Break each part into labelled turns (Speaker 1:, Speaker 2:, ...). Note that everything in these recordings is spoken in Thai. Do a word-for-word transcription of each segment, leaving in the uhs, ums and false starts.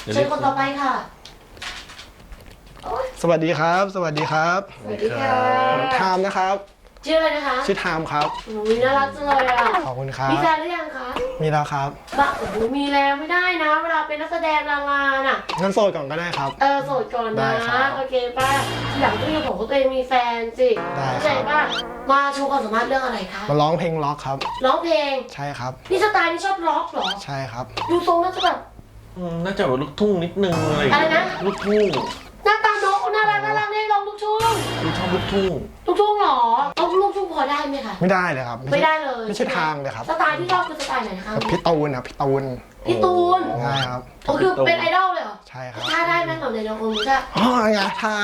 Speaker 1: เชิญคนต่อไปค่ะ
Speaker 2: สวัสดีครับ สวัสดีครับ
Speaker 1: สวัสดีค่ะ
Speaker 2: ไทม์นะครับ
Speaker 1: ชื่ออะไรนะคะ
Speaker 2: ชื่อไทม์ครับ
Speaker 1: โอ้ยน่ารักจังเลยอ่ะ
Speaker 2: ขอบคุณครับ
Speaker 1: มีแฟนหรือยังคะ
Speaker 2: มีแล้วครับ
Speaker 1: บ้าโอ้โหมีแล้วไม่ได้นะ เวลาเป็นนักแสดงดาราน่ะ
Speaker 2: งั้นโสดก่อนก็ได้ครับ
Speaker 1: เออโสดก่อน
Speaker 2: ได้
Speaker 1: นะครับ โอเคป่ะทีหลังต้องมีของตัวเองมีแฟนสิ
Speaker 2: ได้ครับ
Speaker 1: เข้าใจป่ะมาโชว์ความสามารถเรื่องอะไรคะ
Speaker 2: มาร้องเพลงล็อกครับ
Speaker 1: ร้องเพลง
Speaker 2: ใช่ครับ
Speaker 1: นี่สไตล์นี่ชอบร็อกเหรอ
Speaker 2: ใช่ครับ
Speaker 1: ดูทรงน่าจะแบบ
Speaker 3: อืมน่าจะแบบลูกทุ่งนิดนึงอะไรอย่าง
Speaker 1: อะไร
Speaker 3: เงี้ย
Speaker 1: นะ
Speaker 3: ลูกทุ่ง
Speaker 1: หน้าตาน้องน่ารักน่ารักได้ร้องลูกทุ่ง
Speaker 3: ลูกชอบลูกทุ่ง
Speaker 1: ลูกทุ่งเหรอต้องลูกทุ่งพอได้ไหมคะ
Speaker 2: ไม่ได้เลยครับ
Speaker 1: ไม่ได้เลย
Speaker 2: ไม่ใช่ทางเลยครับ
Speaker 1: สไตล์ที่ชอบคือสไตล์ไหนคะ
Speaker 2: แบบพี่ตูนครับพี่ตูน
Speaker 1: พี่ตูน
Speaker 2: ใช่ครับ
Speaker 1: โอ้คือเป็นไอดอลเลยเหรอ
Speaker 2: ใช่ครับ
Speaker 1: ท่าได้ไหมของเดนองค์จะ
Speaker 2: อ๋อไงท่า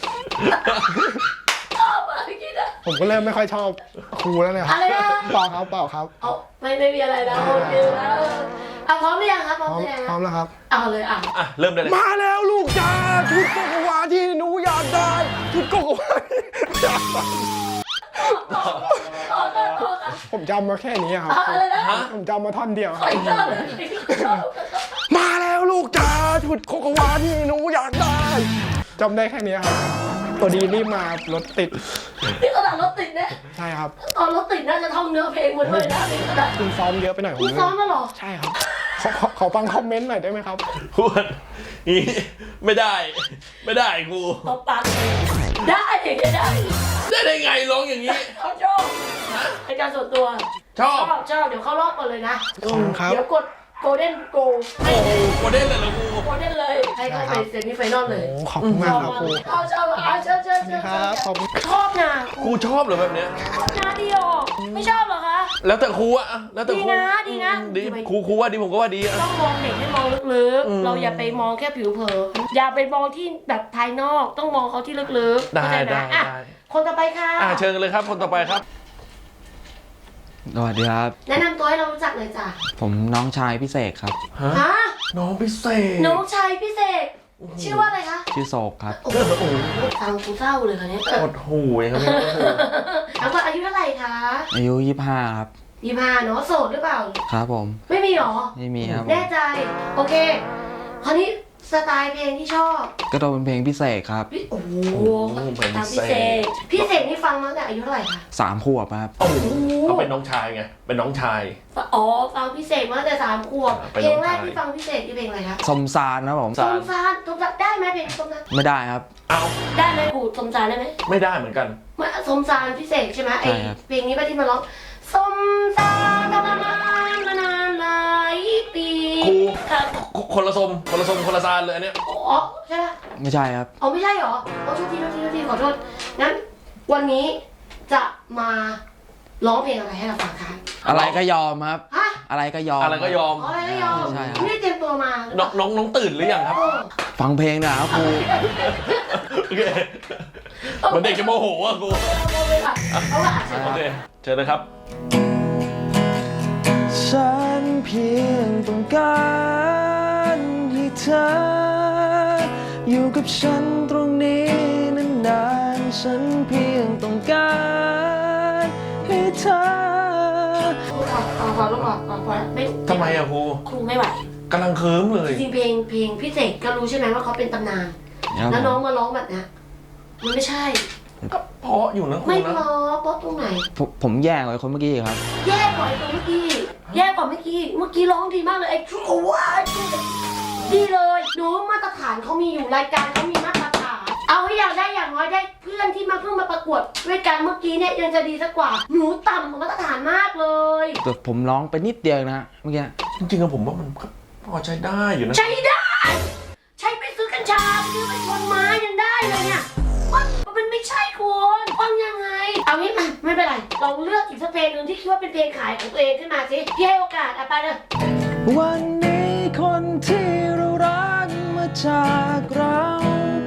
Speaker 1: ชอบอะพี่กินอะ
Speaker 2: ผมก็เริ่มไม่ค่อยชอบครูแล้วเนี่ยครับ
Speaker 1: อะไรนะ
Speaker 2: เปล่าครับเปล่าครับ
Speaker 1: เอาไม่ไม่มีอะไรนะโอเคแล้วเอาพร้อมหรือยังครับพ
Speaker 2: พ
Speaker 1: ร้อม
Speaker 2: ร้อม
Speaker 1: หรือยัง
Speaker 2: พร้อมแล้วครับ
Speaker 1: เอาเลยอ่ะ
Speaker 3: อ่ะเริ่มได้เลย
Speaker 2: มาแล้วลูกจ้าชุดโกโกวาที่หนูอยากได้ชุดโกโกวาที่หนูอยากได้
Speaker 1: ต่อต่อต่อ
Speaker 2: ผมจำมาแค่นี้ครับ
Speaker 1: อะไรนะ
Speaker 2: ผมจำมาท่อนเดียวค
Speaker 1: ใค
Speaker 2: รั
Speaker 1: ร
Speaker 2: บ
Speaker 1: ชอบชอบ
Speaker 2: มาแล้วลูกจ้าชุดโกโกวาที่หนูอยากได้จำได้แค่นี้ครับตัวดีรีบมารถติด
Speaker 1: นี่ขนาดรถติดนะ
Speaker 2: ใช่ครับ
Speaker 1: ตอนรถติดน่าจะท่องเนื้อเพลงมาด้วยนะนี่ขนาด
Speaker 2: คุณซ้อมเยอะไปหน่อย
Speaker 1: คุณซ้อมมาหรอ
Speaker 2: ใช่ครับขอขอขอฟังคอมเมนต์หน่อยได้ไหมครับ
Speaker 3: พูดนี่ไม่ได้ ไม่ได้ครู
Speaker 1: ตบปากได้ได้ได้
Speaker 3: ได้ได้ไงร้องอย่างนี้
Speaker 1: เขาชอบในการส่วนตัว
Speaker 3: ชอบ
Speaker 1: ชอบชอบเดี๋ยวเข้ารอบก่อนเลยนะ
Speaker 2: ขอบคุณครับ
Speaker 1: เดี๋ยวกดโกลเด้นโก
Speaker 3: โอ้โหโคเด้นเลยเหรอครู
Speaker 1: โกลเด้นเลยให้เข้าไปเซมิไฟนอลเลย
Speaker 2: โอ้ขอบคุณมากครับครู
Speaker 1: ชอบชอบอ่ะชอบชอบชอบ
Speaker 2: ครับขอบคุณ
Speaker 1: ชอบนะ
Speaker 3: ครูชอบเหรอแบบเนี้ย
Speaker 1: ชอบนะดีออกไม่ชอบเหรอคะ
Speaker 3: แล้วแต่ครูอะแล้วแต่ครู
Speaker 1: ดีนะดีนะ
Speaker 3: ดีครูครูว่าดีผมก็ว่าดีอะ
Speaker 1: ต้องมองเด็กให้มองลึก
Speaker 3: อืม
Speaker 1: ๆ เราอย่าไปมองแค่ผิวเผินอย่าไปมองที่แบบภายนอกต้องมองเขาที่ลึกๆ
Speaker 3: ได้
Speaker 1: เข้าใจหม
Speaker 3: ได้
Speaker 1: อ่ะ
Speaker 3: ได้
Speaker 1: คนต่อไปค่ะ
Speaker 3: อ่ะเชิญกันเลยครับคนต่อไปครับ
Speaker 4: สวัสดีครับ
Speaker 1: แนะนำตัวให้เรารู้จักหน่อยจ้ะ
Speaker 4: ผมน้องชายพิเศษครับ
Speaker 3: ฮะ
Speaker 1: ฮะ
Speaker 3: น้องพิเศษ
Speaker 1: น้องชายพิเศษชื่อว่าอะไรคะ
Speaker 4: ชื่อโศกครับ
Speaker 1: โอ้โหฟังกูเศร้าเลยค่ะเนี่ย
Speaker 3: อดหูอย่างเงี้ย
Speaker 1: ทั้งหมดอายุเท่าไหร่คะ
Speaker 4: อายุยี่สิบห้าครับ
Speaker 1: ยี่ห้าเนาะโสดหรือเปล่า
Speaker 4: ครับผม
Speaker 1: ไม่มีหรอ
Speaker 4: ไม่มีครับผม
Speaker 1: แน่ใจ โอเค คราวนี้สไตล์เพลงที่ชอบ
Speaker 4: ก็ต้องเป็นเพลงพิเศษครับ
Speaker 1: พี่โอ้โห
Speaker 3: เพลง
Speaker 1: ตาม
Speaker 3: พิ
Speaker 1: พิ
Speaker 3: เศ
Speaker 1: เศ
Speaker 3: ษ
Speaker 1: ษพิเศษนี่ฟังมาตั้งแต่อายุเท่าไหร่คะ
Speaker 4: สามขวบครับ
Speaker 3: โอ้โหเขาเป็นน้องชายไงเป็นน้องชาย
Speaker 1: อ๋อ ฟังพิเศษมาตั้งแต่สามขวบ
Speaker 3: เป็น
Speaker 1: เพลง
Speaker 3: น้อง
Speaker 1: แรก
Speaker 3: ชาย
Speaker 1: ที่ฟังพิเศษที่เพลงอะไรคะ
Speaker 4: สมสารนะผม
Speaker 1: สมสารสมสารได้ไหมเพลงสมสาร
Speaker 4: ไม่ได้ครับ
Speaker 3: เอา
Speaker 1: ได้ไหมกูสมสารได้ไหม
Speaker 3: ไม่ได้เหมือนกัน
Speaker 1: มาสมสารพิเศษใช่ไหมไอ
Speaker 4: ใช่ครับ
Speaker 1: เพลงนี้ป่ะที่มาร้องสมสารทรมานมานานหลายปี
Speaker 3: ครู
Speaker 1: ครับ
Speaker 3: คนละสมคนละสมคนละซานเลยอันเนี้ย
Speaker 1: อ๋อใช่ปะ
Speaker 4: ไม่ใช่ครับ
Speaker 1: อ๋อไม่ใช่เหรอโอ้โทษทีโทษทีโทษทีขอโทษงั้นวันนี้จะมาร้องเพลงอะไรให้เราฟังคะ
Speaker 4: อะไรก็ยอมครับ
Speaker 1: ฮะ
Speaker 4: อะไรก็ยอม
Speaker 3: อะไรก็ยอม
Speaker 1: อ๋ออะไรก็ยอม
Speaker 4: ใช่ครับ
Speaker 1: ไม่ได้เตรียมตัวมา
Speaker 3: น้องน้องน้องตื่นหรือยังครับ
Speaker 1: เออ
Speaker 4: ฟังเพลงนะครับครู
Speaker 3: โอเคเหมันเด็กจะโมโหอ่ะกู
Speaker 1: เอาเลยค่ะเอาละ
Speaker 3: โอเคเชิญเลยครับ
Speaker 4: ฉันเพียงต้องการให้เธอ อยู่กับฉันตรงนี้นานๆฉันเพียงต้องการให้เธอ
Speaker 1: เอาเอาพอลูกพอพอพอไม่
Speaker 3: ทำไมอะครู
Speaker 1: ครูไม่ไหว
Speaker 3: กำลังเคิมเลย
Speaker 1: จริงๆเพลงเพลงพิเศษก็รู้ใช่ไหมว่าเขาเป็นตำนาน
Speaker 4: ครับ
Speaker 1: แล้ว
Speaker 4: ผ
Speaker 1: น้อง
Speaker 4: ม
Speaker 1: มาร้องแบบเนี้ยมันไม่ใช่
Speaker 3: ก็เพราะอยู่นะครู
Speaker 1: ไม่
Speaker 3: นะ
Speaker 1: เพราะเพราะตรงไหน
Speaker 4: ผมผมแย่กว่าคนเมื่อกี้อีกครับ
Speaker 1: แย่กว่าไอ้ตัวเมื่อกี้แย่กว่าเมื่อกี้เมื่อกี้ร้องดีมากเลยไอ้ชุกว่าดีเลยหนูมาตรฐานเขามีอยู่รายการเขามีมาตรฐานเอาให้อยากได้อย่างน้อยได้เพื่อนที่มาเพิ่งมาประกวดด้วยกันเมื่อกี้เนี่ยยังจะดีสักกว่าหนูต่ำกว่ามาตรฐานมากเลย
Speaker 4: แต่ผมร้องไปนิดเดียวนะเมื่อกี้
Speaker 3: จริงๆอะผมว่ามันก็พอใช้ได้อยู่นะ
Speaker 1: ใช้ได้ ใช้ไปซื้อกัญชาไปซื้อไปชนไม้ยังได้เลยเนี่ยมันมันไม่ใช่คุณฟังยังไง เอางี้มาไม่เป็นไรลองเลือกอีกสักเพลงหนึ่งที่คิดว่าเป็นเพลงขายของตัวเองขึ้นมาสิพี่ให้โอกาสอ่ะไปเลย
Speaker 4: วันนี้คนที่เรารักมาจากเราไป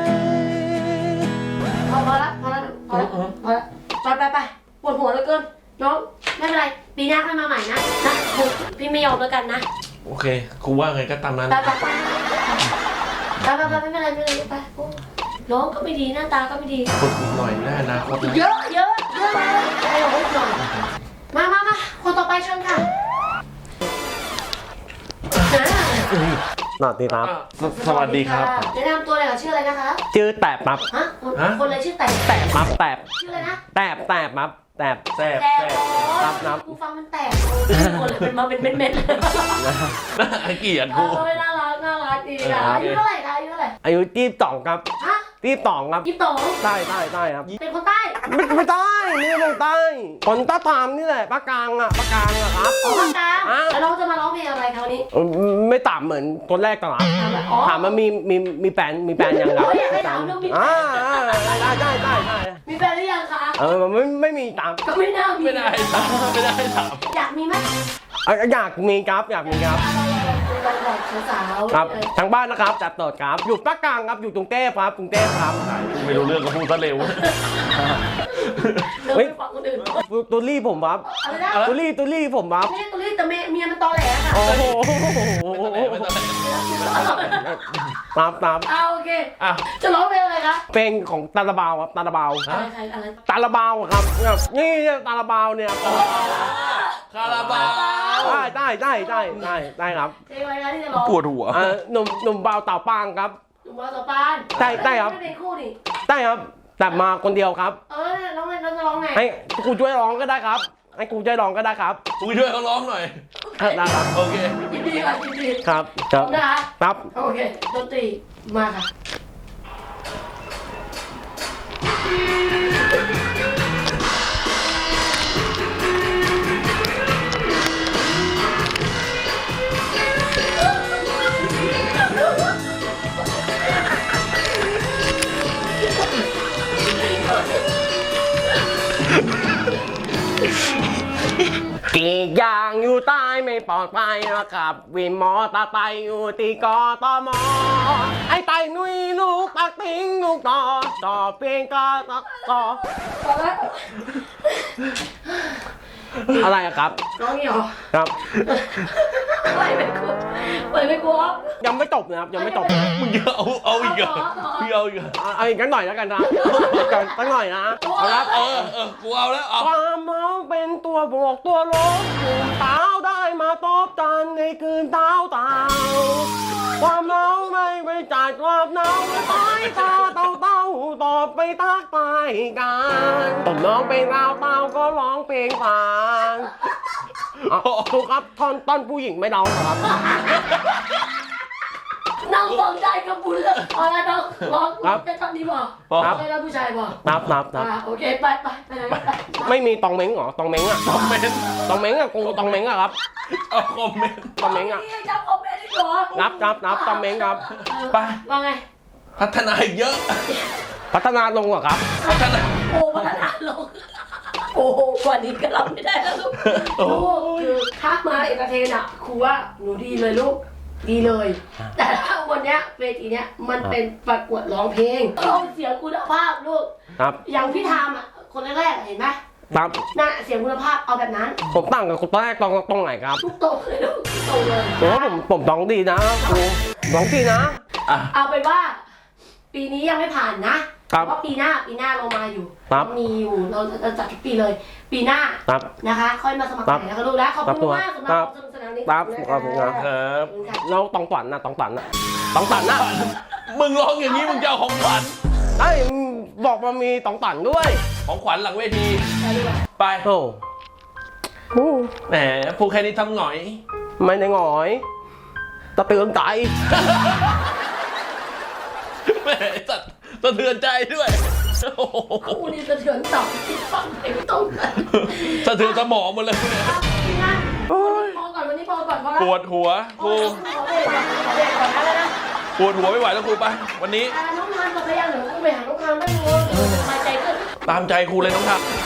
Speaker 1: พอพอละพอละพอละพอละไปไปไปปวดหัวเหลือเกินน้องไม่เป็นไรปีหน้าค่อยมาใหม่นะนะพี่ไม่ยอมแล้วกันนะ
Speaker 3: โอเคครูว่าไงก็ตามนั้น
Speaker 1: ไปไปไปไปไปไปไม่เป็นไรไม่เป็นไรไปโอ้น้องก็ไม่ดีหน้าตาก็ไม่ดี
Speaker 3: ฝึกอีกหน่อยได้อนาคตนะ
Speaker 1: เยอะเยอะเยอะเลยให้เราพูดหน่อยมามามาคนต่อไปเชิญค่ะ
Speaker 5: สวัสดีครับ
Speaker 3: สวัสดีครับ
Speaker 1: แนะนำตัวเลยค่ะชื่ออะไรนะคะ
Speaker 5: ชื่อแตบครับ
Speaker 1: ฮะคน
Speaker 3: ฮะ
Speaker 1: คนอะไรชื่อแต่
Speaker 5: แตบครับแตบ
Speaker 1: ชื่ออะไรนะ
Speaker 5: แตบแตบครับแตบ
Speaker 3: แซ่บ
Speaker 1: แต่
Speaker 3: แซ่บ
Speaker 5: ครับครับ
Speaker 1: กูฟังมันแตกคนเลยเป็นมาเป็นเม็ดๆเลย
Speaker 3: น่าเกลียด
Speaker 1: เอ
Speaker 3: กู
Speaker 1: อน่ารักน่ารักดีอ่ะอายุเท่าไหร่คะอายุเท่าไหร่
Speaker 5: อายุยี่สิบสองครับ
Speaker 1: ฮะ
Speaker 5: ยี่สิบสองครับ
Speaker 1: ยี่สิบสอง
Speaker 5: ใต้ใต้ใต้ครับ
Speaker 1: เป็นคนใต้
Speaker 5: ไม่ไม่ใต้นี่เมืองใต้คนใต้ตามนี่แหละภาคกลางอ่ะภาคกลางอ่ะครับ
Speaker 1: อ๋อภาคกลาง
Speaker 5: อ่ะ
Speaker 1: แล้วเราจะมาร้องเพลงอะไรคะวันนี้
Speaker 5: เออไม่ต่ำเหมือนคนแรกตลอด
Speaker 1: ถามว่าอ๋อ
Speaker 5: ถามว่ามีมีมีแฟนมีแฟนยังครับ
Speaker 1: โอ้ยอยากให้ถามเรื่องมีแฟน
Speaker 5: อ่าอ่าได้ได้ได้ได้
Speaker 1: มีแฟนหรือยังคะ
Speaker 5: เออไม่ไม่มีตาม
Speaker 1: ก็ไม่น่ามี
Speaker 3: ไม่ได้ถามไม่ได้ถาม
Speaker 1: อยากมีไหม
Speaker 5: อ่ะอยากมีครับอยากมีครับ
Speaker 1: เราเราเราสาวๆ
Speaker 5: ครับ
Speaker 1: เออ
Speaker 5: ทางบ้านนะครับจัดโตดครับ อยู่ภาคกลางครับอยู่กรุงเทพครับกรุงเทพครับ
Speaker 3: กูไม่รู้เรื่องก็พูดซะเร็ว
Speaker 1: เดิน
Speaker 5: เฮ้
Speaker 1: ไป
Speaker 5: ย
Speaker 1: ฟังคนอื่น
Speaker 5: ตัวรี่ผมครับ
Speaker 1: อะไรนะ
Speaker 5: ตัวรี่ตัวรี่ผมครับ
Speaker 1: ไม่ใช่ตัวนี้แต่เมียเมียมันตอแหลค่ะ
Speaker 5: โอ้โห
Speaker 3: ไม่ต้องไหน
Speaker 5: ครับครับ
Speaker 1: เอาโอเค
Speaker 3: อ่ะ
Speaker 1: จะร้องเพลงอะไรคะ
Speaker 5: เพลงของตาลาบาวครับตาลาบาว
Speaker 1: อะไรใครอะไร
Speaker 5: ตาลาบาวครับเนี่ยนี่ตาลาบาวเนี่ย
Speaker 3: คาราบาว
Speaker 5: ได้ได้ได้ได้ได้ได้ครับ
Speaker 1: เพลงอะไรคะที่จะร้อง
Speaker 3: ปวดหัว
Speaker 5: เอ่อหนุ่มหนุ่มบาวเต่าปางครับ
Speaker 1: หนุ่มบอลต่อปาน
Speaker 5: ใช่ใช่ครับ
Speaker 1: ไม่เป็นคู่นี่
Speaker 5: ได้ครับแต่มาคนเดียวครับ
Speaker 1: เออร้องไงเราจะร้องไง
Speaker 5: ให้กูช่วยร้องก็ได้ครับให้กูช่วยร้องก็ได้ครับ
Speaker 3: กูช่วยเขาร้องหน่อย
Speaker 5: ได้ครับ
Speaker 3: โอเค
Speaker 1: ยินดีค่ะยินดี
Speaker 5: ครับ
Speaker 1: พ
Speaker 5: ค
Speaker 1: ร้
Speaker 5: รั
Speaker 1: อบ มนะคะ
Speaker 5: ครับ
Speaker 1: โอเคดนตรีมาค่ะ
Speaker 5: กรีดยางอยู่ใต้ไม่ปลอดภัยนะครับวินมอตาไตอยู่ที่กอตมไอ้ไตนุยลูกตักติ้งลูกต่อต่อเพียงกอตักต่อ
Speaker 1: พอแล้ว
Speaker 5: อะไรอะครับ
Speaker 1: ร้องนี่เหรอ
Speaker 5: ครับ
Speaker 1: ไปไม่กลัวไปไม่กลัว
Speaker 5: ยังไม่จบนะครับยังไม่จบ
Speaker 3: มึงเอาเอาอีกเหรอมึงเอาอีกเหรอ
Speaker 5: เอาเอาอีกกันหน่อยแล้วกันนะกันสักหน่อยนะเอาละ
Speaker 3: เออเออกูเอาแล้วเอา
Speaker 5: ความเมาเป็นตัวบวกตัวลบกลุ่มเท้าได้มาตบกันในคืนเท้าเต่าความเมาไม่ไปจัดความเนาสายตาเต่าเต่าตอบไปทักทายกันผมร้องเพลงเต่าเต่าก็ร้องเพลงฟังอ่ะถูกครับท่อนต้นผู้หญิงไม่ร้องครับ
Speaker 1: น้องฟังได้ก็บุญแล้วเอาละน้องร้อง
Speaker 5: ครับ
Speaker 1: แค่ตอนนี้พอ
Speaker 3: พอ
Speaker 1: ไม่ได้ผู้ชายพอ
Speaker 5: นับนับนับ
Speaker 1: อ่าโอเคไปไปไปไหนไป
Speaker 5: ไม่มีตองเม้งเหรอตองเม้งอะ
Speaker 3: คอมเมนต์
Speaker 5: ตองเม้งอะกูตองเม้งอะครับ
Speaker 3: เอาคอมเมนต์
Speaker 5: ตองเม้งอะ
Speaker 1: นี่จำคอมเมนต์ดีกว่า
Speaker 5: นับนับนับตองเม้งครับ
Speaker 3: ไป
Speaker 1: ว่าไง
Speaker 3: พัฒนาอีกเยอะ
Speaker 5: พัฒนาลงเหรอครับ
Speaker 3: พัฒนา
Speaker 1: โอ้พัฒนาลงโอ้โหกว่านี้ก็รับไม่ได้แล้วลูกลูกคือทักมาเอกเทนอ่ะครูว่าหนูดีเลยลูกดีเลย แต่ถ้าวันเนี้ยเวทีเนี้ยมันเป็นประกวดร้องเพลงต้องเสียงคุณภาพลูก
Speaker 5: ครับ
Speaker 1: อย่างพี่ทามอ่ะคนแรกๆเห็นไหม
Speaker 5: ครับ
Speaker 1: น่ะเสียงคุณภาพเอาแบบนั้น
Speaker 5: ผมตั้งกับคนแรกตรงตรงไหนครับ
Speaker 1: ทุกโตรงเลยลูกทุกโตรงเลย
Speaker 5: โอ้ผมผมร้องดีนะครูร้องดีนะ
Speaker 3: อ่ะ
Speaker 1: เอาเป็นว่า ปีนี้ยังไม่ผ่านนะครับ เพราะปีหน้าปีหน้าเรามาอยู่
Speaker 5: ครับ
Speaker 1: เรามีอยู่เราจะจัดทุกปีเลย ปีหน้า
Speaker 5: ครับ
Speaker 1: นะคะ ค่อยมาสมัคร
Speaker 5: ครับ
Speaker 1: ใหม่นะคะลูกนะขอบคุณมากสำหรับ
Speaker 5: ค
Speaker 1: ครับ วามสนุกสนานนี้
Speaker 5: ครับ
Speaker 1: นะ
Speaker 5: ขอบคุณครับ
Speaker 3: ครับ
Speaker 1: ขอบคุณค่ะ
Speaker 5: แล้วตองฝันนะตองฝันนะตองฝันนะ
Speaker 3: มึงร้องอย่างนี้มึงจะเอาของขวัญ
Speaker 5: ไอ้ยบอกมามีตองฝันด้วย
Speaker 3: ของขวัญหลังเวที
Speaker 1: ไปดีกว่า
Speaker 3: ไป
Speaker 5: โอ้โห
Speaker 3: แหมพูดแค่นี้ทำหน่อย
Speaker 5: ไม่ได้หงอยตะเตือนใจ
Speaker 3: แหมสัตว์สะเทือนใจด้วยโอ้โห
Speaker 1: คู่นี้สะเทือนต่อที่ฟังเพลงตรงกัน
Speaker 3: สะเทือนสมองหมดเลยเนี่ย
Speaker 1: นะพอก่อนวันนี้พอก่อนพอแล้ว
Speaker 3: ปวดหัวครู
Speaker 1: ขอเบรกก่อนขอเบรกก่อนนะนะ
Speaker 3: ปวดหัวไม่ไหวแล้วครูไป วันนี้
Speaker 1: อ่าน้องทานกับพยานหนูต้องไปหาน้องทานได้เลยสบายใจขึ้น
Speaker 3: ตามใจครูเลยน้องทัก